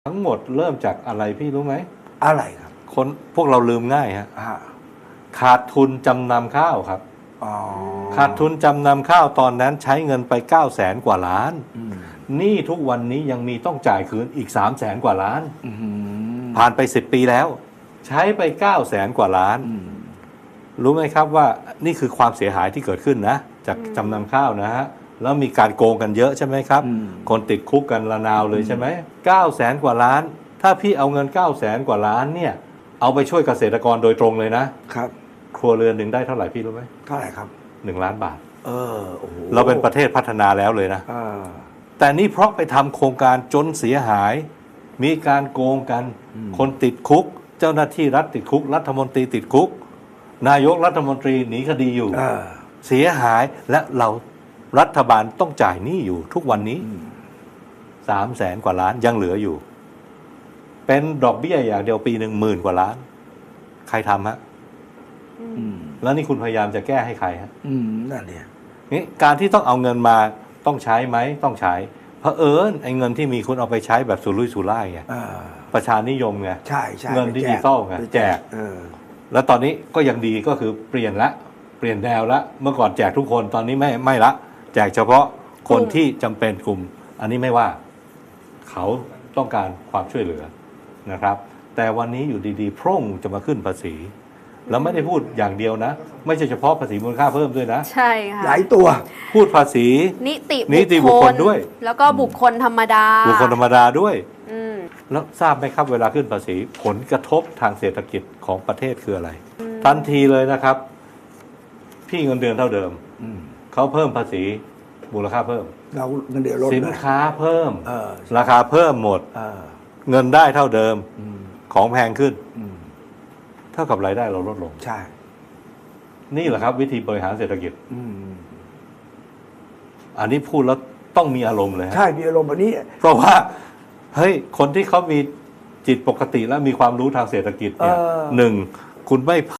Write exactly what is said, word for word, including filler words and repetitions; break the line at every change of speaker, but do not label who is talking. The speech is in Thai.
ทั้งหมดเริ่มจากอะไรพี่รู้ไหม
อะไรครับ
คนพวกเราลืมง่ายฮะขาดทุนจำนำข้าวครับขาดทุนจำนำข้าวตอนนั้นใช้เงินไปเก้าแสนกว่าล้านหนี้ทุกวันนี้ยังมีต้องจ่ายคืนอีกสามแสนกว่าล้านผ่านไปสิบปีแล้วใช้ไปเก้าแสนกว่าล้านรู้ไหมครับว่านี่คือความเสียหายที่เกิดขึ้นนะจากจำนำข้าวนะฮะแล้วมีการโกงกันเยอะใช่ไหมครับคนติดคุกกันระนาวเลยใช่ไหมเก้าแสนกว่าล้านถ้าพี่เอาเงินเก้าแสนกว่าล้านเนี่ยเอาไปช่วยเกษตรกรโดยตรงเลยนะครับครัวเรือนหนึ่งได้เท่าไหร่พี่รู้ไหม
เท่าไหร่ครับ
หนึ่งล้านบาท
เออโอ้โห
เราเป็นประเทศพัฒนาแล้วเลยนะแต่นี่เพราะไปทำโครงการจนเสียหายมีการโกงกันคนติดคุกเจ้าหน้าที่รัฐติดคุกรัฐมนตรีติดคุกนายกรัฐมนตรีหนีคดีอยู่เสียหายและเรารัฐบาลต้องจ่ายหนี้อยู่ทุกวันนี้สามแสนกว่าล้านยังเหลืออยู่เป็นดอกเบี้ยอย่างเดียวปีหนึ่งหมื่นกว่าล้านใครทำฮะแล้วนี่คุณพยายามจะแก้ให้ใครฮะ
นั่นเนี่ย
นี่การที่ต้องเอาเงินมาต้องใช้ไหมต้องใช้เพราะเอิญไอ้เงินที่มีคุณเอาไปใช้แบบสุรุ่ยสุร่ายไงประชานิยมไง
ใช่ใช่
เงินดิจิตอลไงแจกแล้วตอนนี้ก็ยังดีก็คือเปลี่ยนละเปลี่ยนแนวละเมื่อก่อนแจกทุกคนตอนนี้ไม่ไม่ละแจกเฉพาะคนที่จำเป็นกลุ่มอันนี้ไม่ว่าเขาต้องการความช่วยเหลือนะครับแต่วันนี้อยู่ดีๆพรุ่งจะมาขึ้นภาษีแล้วไม่ได้พูดอย่างเดียวนะไม่ใช่เฉพาะภาษีมูลค่าเพิ่มด้วยนะ
ใช่ค่ะ
หลายตัว
พูดภาษี
นิติ
นิติบุคคลด้วย
แล้วก็บุคคลธรรมดา
บุคคลธรรมดาด้วยแล้วทราบไหมครับเวลาขึ้นภาษีผลกระทบทางเศรษฐกิจของประเทศคืออะไรทันทีเลยนะครับพี่เงินเดือนเท่าเดิมเขาเพิ่มภาษีมูลค่าเพิ่ม
เราเงินเดือนลด
สินค้าเพิ่มราคาเพิ่มหมดเงินได้เท่าเดิมของแพงขึ้นเท่ากับรายได้เราลดลง
ใช่
นี่แหละครับวิธีบริหารเศรษฐกิจอันนี้พูดแล้วต้องมีอารมณ์เลย
ใช่มีอารมณ์แบบนี้
เพราะว่าเฮ้ยคนที่เขามีจิตปกติและมีความรู้ทางเศรษฐกิจเนี่ยหนึ่งคุณไม่